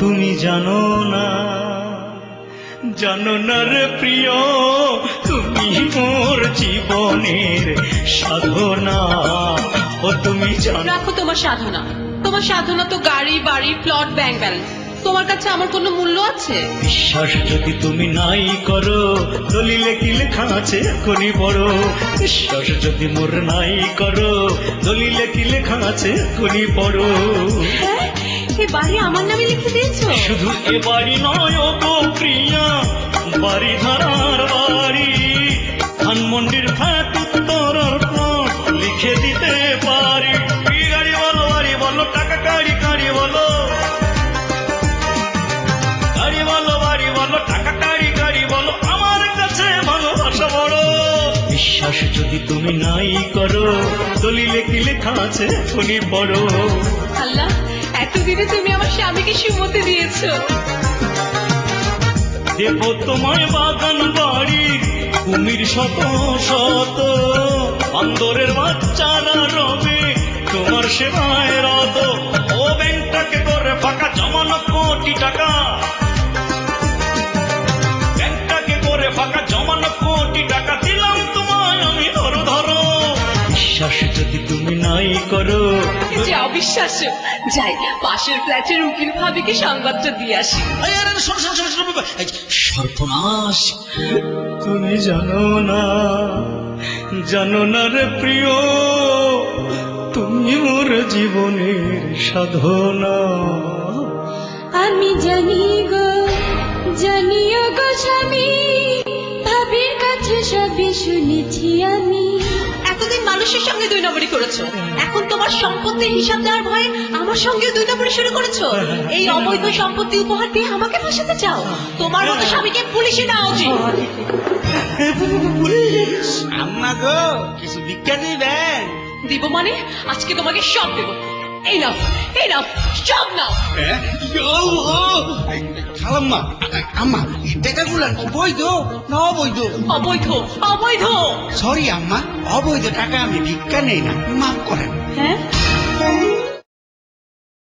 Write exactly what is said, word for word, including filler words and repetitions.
তুমি জানো না, জানো না রে প্রিয়, তুমি মোর জীবনের সাধনা। ও তুমি জানো। রাখো তোমার সাধনা, তোমার সাধনা তো গাড়ি বাড়ি প্লট ব্যাংক ব্যালেন্স। তোমার কাছে আমার কোনো মূল্য আছে? বিশ্বাস যদি তুমি নাই করো, দলিলে কি লেখা আছে এখনই বড়। বিশ্বাস যদি মোর নাই করো, দলিলে কি লেখা আছে এখনই বড়। হ্যাঁ, এই বাড়ি আমার নামে লিখে দিয়েছো? শুধু এ বাড়ি নয় ও গো প্রিয়া, বাড়ি ধারার বাড়ি, ধানমন্ডির ফ্ল্যাট উত্তরার প্লট লিখে দিতে পারি। কি গাড়ি বলো, বাড়ি বলো, টাকা গাড়ি গাড়ি বলো, গাড়ি বলো, বাড়ি বলো, টাকা গাড়ি গাড়ি বলো, আমার কাছে ভালোবাসা বড়। বিশ্বাস যদি তুমি নাই করো, দলিলে কি লেখা আছে এখনই বড়। আল্লাহ, এতদিনে তুমি আমার স্বামীকে সুমতি দিয়েছো। দেব তোমায় বাগান বাড়ি, কুমির শত শত, অন্দরের বাচ্চারা রবে তোমার সেবায় রত। ও ব্যাংকটাকে করে ফাঁকা, জমানো কোটি টাকা, ব্যাংকটাকে করে ফাঁকা, জমানো কোটি টাকা, দিলাম তোমায় আমি ধরো ধরো। বিশ্বাস যদি তুমি নাই করো, যে অবিশ্বাস্য। যাই, পাশের ফ্ল্যাটের উকিল ভাবিকে সংবাদটা দিয়ে আসি। সর্বনাশ, তুমি জানো না, জানো না রে প্রিয়, তুমি মোর জীবনের সাধনা। আমি জানি গো, জানিও গো স্বামী, ভাবির কাছে সবই শুনেছি আমি। এতদিন মানুষের সঙ্গে দুই নম্বরই করেছো, এখন তোমার সম্পত্তির হিসাব দেওয়ার ভয়ে আমার সঙ্গে দুই নম্বরই শুরু করেছো। এই অবৈধ সম্পত্তি উপহার দিয়ে আমাকে ফাঁসাতে চাও? তোমার মতো স্বামীকে পুলিশে নেওয়া উচিত। আম্মা গো, কিছু ভিক্ষা দিবেন? দিব মানে? আজকে তোমাকে সব দেবো। এই নাও, এই নাও, সব নাও। খালাম্মা, আম্মা, এই টাকাগুলো অবৈধ না অবৈধ? অবৈধ, অবৈধ। সরি আম্মা, অবৈধ টাকা আমি ভিক্ষা নেই না, মাফ করেন। হ্যাঁ,